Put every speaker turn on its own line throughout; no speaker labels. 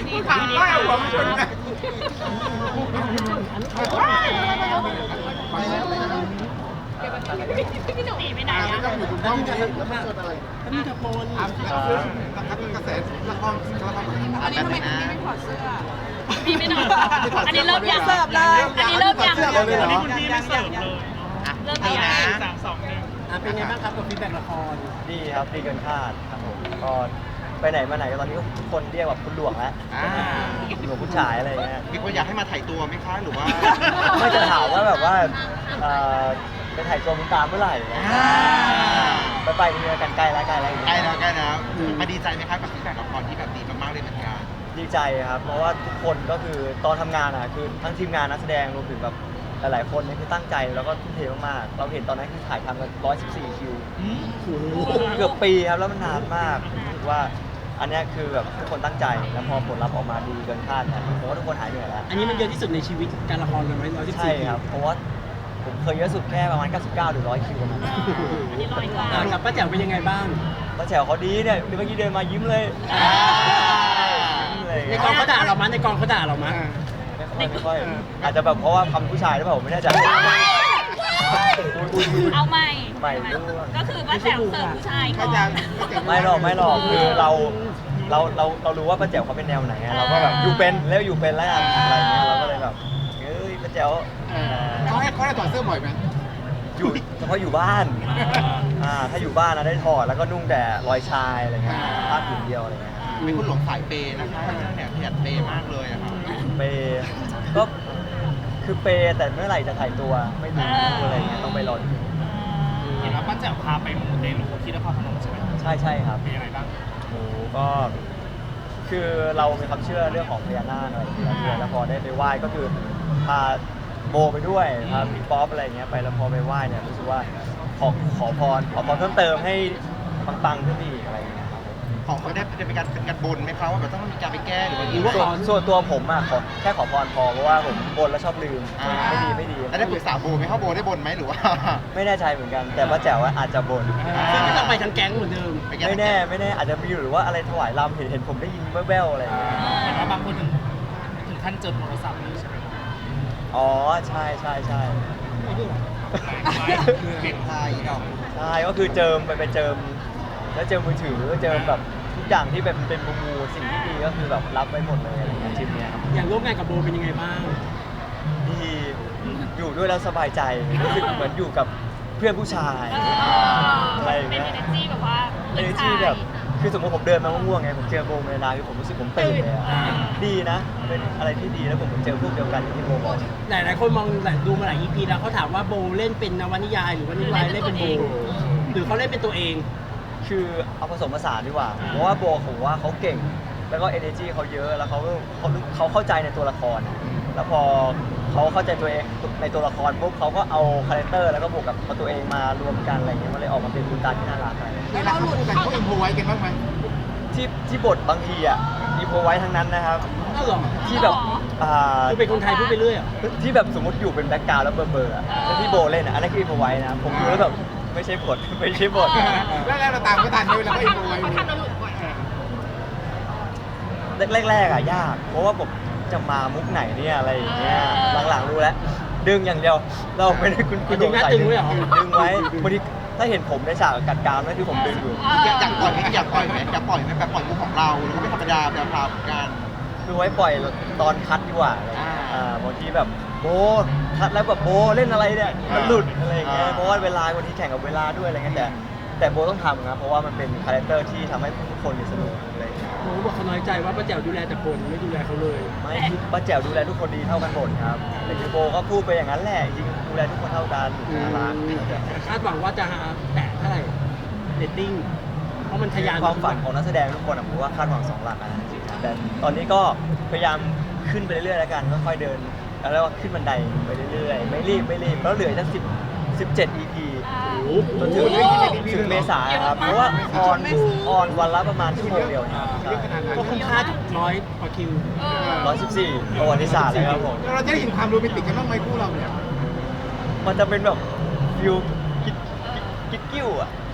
นี้ค่ะไม่เอาหัวมาชนกันพี่หนุ่มไปไหนอ่ะต้องอยู่ตรงห้องนี้แล้วมันเกิดอะไรนี่จะโปนนะครับกระแสละครอันนี้ทำไมคุณไม่ถอดเสื้อพี่ไม่ถอดอันนี้เริ่มยังเสิร์ฟเลยอันนี้เริ่มยังอันนี้คุณพี่ไม่เสิร์ฟเลยเริ่มยัง3-2-1เป็นไงบ้างครับกับฟีดแบ็กละคร
ดีครับดีเกินคาดครับผมก็ไปไหนมาไหนตอนนี้ทุกคนเรียกแบบคุณหลวงแล้วหลวงผู้ชายอะไรเงี้ย
มีคนอยากให้มาถ่ายตัวไหมคะหรือว่า
ไม่จะถามว่าแบบว่าไปถ่ายตัวมุนตามเมื่อไหร่ไปเรือกันใกล้แล้วใกล้แล้ว
มาดีใจไหมครับกับฟีดแบ็กละครที่แบบดีมากๆเลยเหมือนกัน
ดีใจครับเพราะว่าทุกคนก็คือตอนทำงานอ่ะคือทั้งทีมงานนักแสดงรวมถึงแบบหลายๆคนเนี่ยคือตั้งใจแล้วก็ทุ่มเทมากๆเราเห็นตอนนั้นคือถ่ายทำกัน114คิวเกือบปีครับแล้วมันนานมากรู้สึกว่าอันนี้คือแบบทุกคนตั้งใจแล้วพอผลลัพธ์ออกมาดีเกินคาดนะผมว่าทุกคนหายเหนื่อยแล้ว
อันนี้มันเยอะที่สุดในชีวิตการละครเลยไหม114
ใช่ครับเพราะว่าผมเคยเยอะสุดแค่ประมาณ99หรือ100คิวประมาณนั้น
อันนี้100กว่า
กับป้าแจ๋วเป็นยังไงบ้าง
ป้าแจ๋วเขาดีเนี่ยเมื่อกี้เดินมายิ้มเลย
ในกองเขาด่าเรามั้ยในกองเขาด่าเรามั้ย
ไม่ค่อยอาจจะแบบเพราะว่าคำผู้ชายหรือเปล่าผมไม่แน่ใจ
เอาใหม่
ก็
คือป้าแจ๋วเสิร์ฟผู้ชายเขา
ไม่หรอกคือเรารู้ว่าป้าแจ๋วเขาเป็นแนวไหนเราก็แบบอยู่เป็นแล้วอยู่เป็นแล้วอะไรเงี้ยเราก็เลยแบบเฮ้ยป้าแจ๋ว
เขาให้ถอดเสื้อบ่อยไหม
อยู่เฉพาะอยู่บ้านถ้าอยู่บ้านนะได้ถอดแล้วก็นุ่งแต่รอยชายอะไรเงี้ยผ้าผืนเดียวอะไรเงี้ย
มีคุณหลงสายเปย์นะคะเนี่ยขยันเปย์มากเลยอะครับ
เปย์ก็คือเปย์แต่เมื่อไหร่จะถ่ายตัวไม่รู้อะไรเงี้ยต้องไปรอดู
เห็นว่าป้าแจ๋วพาไปมูเตลูที่นครพนมใช่ไหม
ใช่ครับ
เป็นยังไงบ้าง
โอ้ก็คือเรามีความเชื่อเรื่องของพญานาคอะไรอย่างเงี้ยแล้วพอได้ไปไหว้ก็คือพาโบไปด้วยพาพี่ป๊อปอะไรเงี้ยไปแล้วพอไปไหว้เนี่ยรู้สึกว่าขอพรเพิ่มเติมให้ปังๆขึ้นอีกอะไรเงี้ย
ของเขาได้เป็นการบนไหมครับว่าแบบต้องมีการไปแก้หรือว่า
ส่วนตัวผมอะแค่ขอพรพอเพราะว่าผมบนแล้วชอบลืมไม่ดี
แล้วได้ปรึกษาโบไหมเขาโบได้บนไหมหรือว่า
ไม่แน่ใจเหมือนกันแต่ป้าแจ๋วอาจจะบน
ซึ่งต้องไปทั้งแก๊งเหมือนเดิม
ไม่แน่อาจจะมีหรือว่าอะไรถวายรำเห็นผมได้ยินแว่วๆอะไรอย่างเงี้ย
เห็นว่าบางคนถึงขั้นเจอโทรศัพท์นี่ใช่ไหม
อ๋อใช่
เปลี่ยนทายดอก
ใช่ก็คือเจิมไปเจิมแล้วเจิมมือถือเจิมแบบทุกอย่างที่เป็นมูสิ่งที่ดีก็คือแบบรับไว้หมดเลยอะไรเงี้ยทริปเนี้ยครับ
อย่างร่วมงานกับโบเป็นยังไงบ้าง
ดีอยู่ด้วยแล้วสบายใจรู้สึกเหมือนอยู่กับเพื่อนผู้ชายอะไรอย่างเงี้ย
เป็น energy แบบว่า
energy แบบคือสมมติผมเดินมาง่วงไงผมเจอโบเมลาคือผมรู้สึกผมตื่นเลยดีนะเป็นอะไรที่ดีแล้วผมเจอพวกเดียวกันที่โบบอก
หลายคนมองดูมาหลาย EP แล้วเขาถามว่าโบเล่นเป็นนวนิยายหรือว่านิยายเล่นเป็นโบหรือเขาเล่นเป็นตัวเอง
คือเอาผสมผสานดีกว่าเพราะว่าโบผมว่าเขาเก่งแล้วก็ energy เขาเยอะแล้วเขาเข้าใจในตัวละครแล้วพอเขาเข้าใจตัวเองในตัวละครปุ๊บเขาก็เอาคาแรคเตอร์แล้วก็บวกกับตัวเองมารวมกันอะไรเงี้ยมันเลยออกมาเป็นคุณตาที่น่ารักอะไร
แล้วเราหลุดกันเขาอินโฟไว้กันบ้างไหม
ที่บทบางทีอินโฟไว้ทั้งนั้นนะครับที่แบบ
คือเป็นคนไทยพูดไปเรื่อย
ที่แบบสมมติอยู่เป็นแบ็คกราวด์แล้วเบอร์แล้วที่โบเล่นอันนั้นคืออินโฟไว้นะผมดูแล้วแบบไม่ใช่บท
แล้วเราตามก็ทันด้วยแล้วก็อินโฟไว้
แรกยากเพราะว่าผมจะมามุกไหนเนี่ยอะไรอย่างเงี้ยหลังๆรู้แล้วดึงอย่างเดียวเราไม่ได้คุณ
ดึงนะดึงไว้หรอ
ดึงไว้บางทีถ้าเห็นผมในฉากกัดกรามนั่นคือผมดึงอยู่
อยากปล่อยไหมแบบปล่อยมุกของเราแล้วก็ไม่ธรรมดาแบบพาการ
คือไว้ปล่อยตอนคัดดีกว่าบางทีแบบโบคัดแล้วแบบโบเล่นอะไรเนี่ยมันหลุดอะไรอย่างเงี้ยเพราะว่าเวลาบางทีแข่งกับเวลาด้วยอะไรเงี้ยแต่โบต้องทำนะเพราะว่ามันเป็นคาแรคเตอร์ที่ทำให้ทุกคนสนุกอะไร
โบบอกเขาน้อยใจว่าป้าแจ๋วดูแลแต่คนไม่ดูแลเขาเลย
ไม่ป้าแจ๋วดูแลทุกคนดีเท่ากันหมดครับแต่คือโบก็พูดไปอย่างนั้นแหละจริงดูแลทุกคนเท่ากัน
คาดหวังว่าจะแตะเท่าไหร่เรตติ้งเพราะมันทะยาน
ความฝันของนักแสดงทุกคนผมว่าคาดหวัง2 หลักนะแต่ตอนนี้ก็พยายามขึ้นไปเรื่อยๆแล้วกันค่อยๆเดินแล้วก็ขึ้นบันไดไปเรื่อยๆไม่รีบแล้วเหลือตั้ง17 EP จนถึงเมษาครับเพราะว่าออนวันละประมาณชั่วโมงเดียว
ก็คุ้มค่า100 กว่าคิว
114ประวัติศาสตร์เลยครับผม
เราจะได้เห็นความโรแมนติกกันบ้างไหมคู่เราเนี่ย
มันจะเป็นแบบฟิวกิ๊กกิ้ว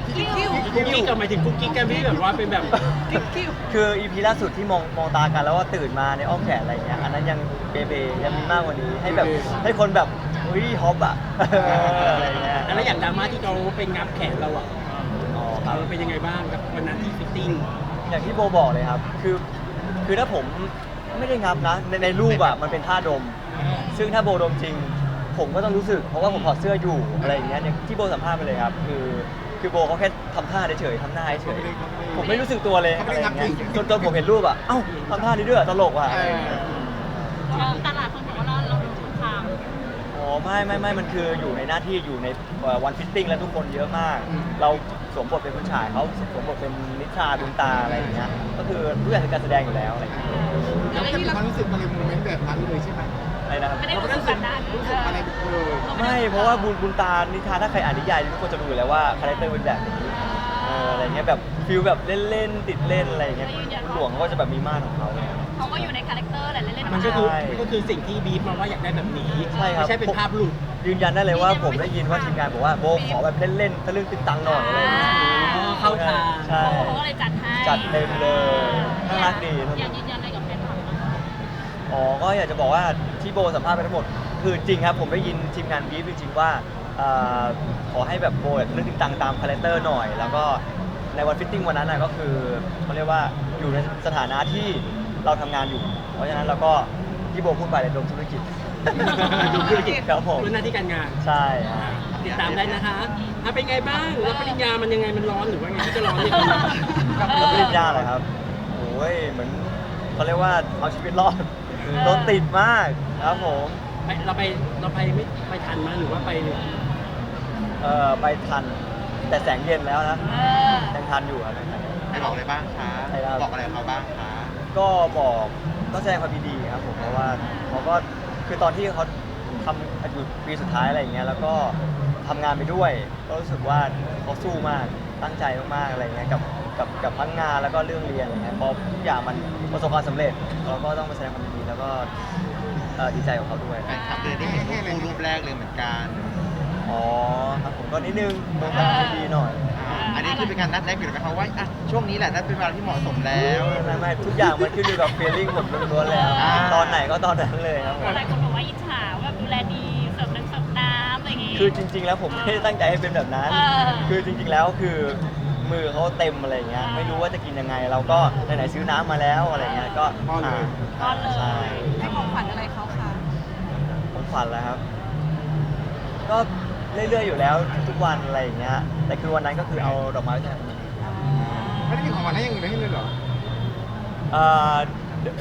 กุ๊กกิ๊กกับหมายถึงกุ๊กกิ๊กกันที่แบบว่าเป็นแบบ
คืออีพีล่าสุดที่มองตากันแล้วว่าตื่นมาในอ้อมแขนอะไรเงี้ยอันนั้นยังเบเบยังมีมากกว่านี้ให้แบบให้คนแบบอุ้ยฮอปอะอะไรเงี้ย
แล้วอย่างดราม่าที่เขาเป็นงับแขนเราอ่ะ
อ๋อครับ
เราเป็นยังไงบ้างกับวันนั้นที่ฟิตติ้ง
อย่างที่โบบอกเลยครับ คือถ้าผมไม่ได้งับนะ ในรูปอะมันเป็นท่าดม ซึ่งถ้าโบดมจริง ผมก็ต้องรู้สึก เพราะว่าผมถอดเสื้ออยู่อะไรอย่างเงี้ยอย่างที่โบสัมภาษณ์ไปเลยครับ คือโบเขาแค่ทำท่าเฉยๆทำหน้าเฉยๆผมไม่รู้สึกตัวเลยอะไรอย่างเงี้ยจนผมเห็นรูปอะเอ้าทำท่านี้ด้วยตลกว่ะอะไรอย่างเงี้ย
ตลาดคนบอกว่าเราโดนคุกคาม
อ๋อไม่มันคืออยู่ในหน้าที่อยู่ในวันฟิตติ้งแล้วทุกคนเยอะมาก เราสวมบทเป็นผู้ชายเขาสวมบทเป็นนิทราดวงตาอะไรอย่างเงี้ยก็คือทุกอย่างคือการแสดงอยู่แล้วอะไรอย่างเงี้ย
แล้วไม่ได้มีความรู้สึกอะไรโมเมนต์แบบนั้นเลยใช่ไหม
อะไรนะครับ
ไม่ได้รู้สึกแบบนั้น
รู้สึกอะไรเลย
ไม่เพราะว่าบุญตานิทราถ้าใครอ่านนิยายทุกคนจะรู้อยู่แล้วว่าคาแรคเตอร์เป็นแบบนี้อะไรเงี้ยแบบฟิลแบบเล่นๆติดเล่นอะไรอย่างเงี้ยคุณหลวงเขาก็จะแบบมีมาตรของเขาเนี่ย
เขาก็อยู่ในคาแรคเตอร์แหละเล่นๆ
มันก็คือสิ่งที่บีฟมาว่าอยากได้แบบนี้
ใช่ครับ
ไม่ใช่เป็นภาพหลุด
ยืนยันได้เลยว่าผมได้ยินว่าทีมงานบอกว่าโบขอแบบเล่นๆทะลึ่งติดตังหน่อยอะไรอย่างเงี้ย
อ๋อเข้าทาง
ใช่
เขาก็เลยจัดให้
จัดเต็มเลยน่ารักดี
อยากยืนยันอะไรกับแฟนคลับไหม
อ๋อ ก็อยากจะบอกว่าที่โบสัมภาษณ์ไปทั้งหมด คือจริงครับผมได้ยินทีมงานบีฟจริงๆว่าขอให้แบบโบเรื่องติดตังตามคาแรคเตอร์หน่อย แล้วก็ในวันฟิตติ้งวันนั้นนะก็คือเขาเรียกว่าอยู่ในสถานะที่เราทำงานอยู่ เพราะฉะนั้นเราก็ที่โบพูดไปเลยดมธุรกิจ ดมธุรกิจครับผม
เป็นหน้าที่การงาน
ใช่ครับ
ติดตามได้นะคะเป็นไงบ้างรับปริญญามันยังไงมันร้อนหรือว่าไงที่จะร้อนเนี่ย
รับปริญญาเหรอครับโอ้ยเหมือนเขาเรียกว่าเอาชีวิตรอดรถติดมากครับผม
เราไปไม่ไปทันมาหรือว่าไป
ไปทันแต่แสงเย็นแล้วนะยังทันอยู่ครับ
ให้บอกอะไรบ้างคะ
ใช่ครับ
บอกอะไรเขาบ้างคะ
ก็บอกก็แสดงความยินดีครับผมเพราะว่าเขาก็คือตอนที่เขาทำอยู่ปีสุดท้ายอะไรอย่างเงี้ยแล้วก็ทำงานไปด้วยก็รู้สึกว่าเขาสู้มากตั้งใจมากๆอะไรเงี้ยกับทั้งงานแล้วก็เรื่องเรียนอะไรเงี้ยพอทุกอย่างมันประสบความสำเร็จเราก็ต้องมาแสดงความยินดีแล้วก็ดีใจของเขาด้วย
แฟนคลับเลยได้เห็นรูปแรกเลยเหมือนกัน
อ๋อครับผมก็นิดนึงต้องทำดีหน่อย
อันนี้คือเป็นการนัดแรกอยู่ไหมคะว่าอ่ะช่วงนี้แหละนัดเป็นเวลาที่เหมาะสมแล้ว
ไม่ทุกอย่างมันขึ้นอยู่กับ feeling ผมล้วนๆแล้ว ตอนไหนก็ตอนนั้นเลยครับผม
หลายคนบอกว่าอิจฉาว่าดูแลดีเสิร์ฟน้ำอะไรอย่างงี้
คือจริง ๆ แล้วผมไม่ได้ตั้งใจให้เป็นแบบนั้น คือจริง ๆ แล้วคือมือเขาเต็มอะไรเงี้ย ไม่รู้ว่าจะกินยังไง เราก็ไหนๆซื้อน้ำมาแล้วอะไรเงี้ย ก็
ป้อนเลย
ก้อนเลย
ใช่
ให้ของขวัญอะไรเขาคะ
ผมฝันแล้วครับ ก็เรื่อยๆอยู่แล้วทุกวันอะไรอย่างเงี้ย แต่คือวันนั้นก็คือเอาดอกไม้ไปแทน
ไม่ได้มีของขวัญให้อยังอื่นให้เลยเหรอ
เอ่อ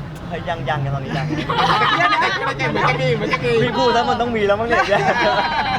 ยังกันตอนนี้ยัง
มันจะมี
พี่พูดแล้วมันต้องมีแล้วมั้งเนี่ย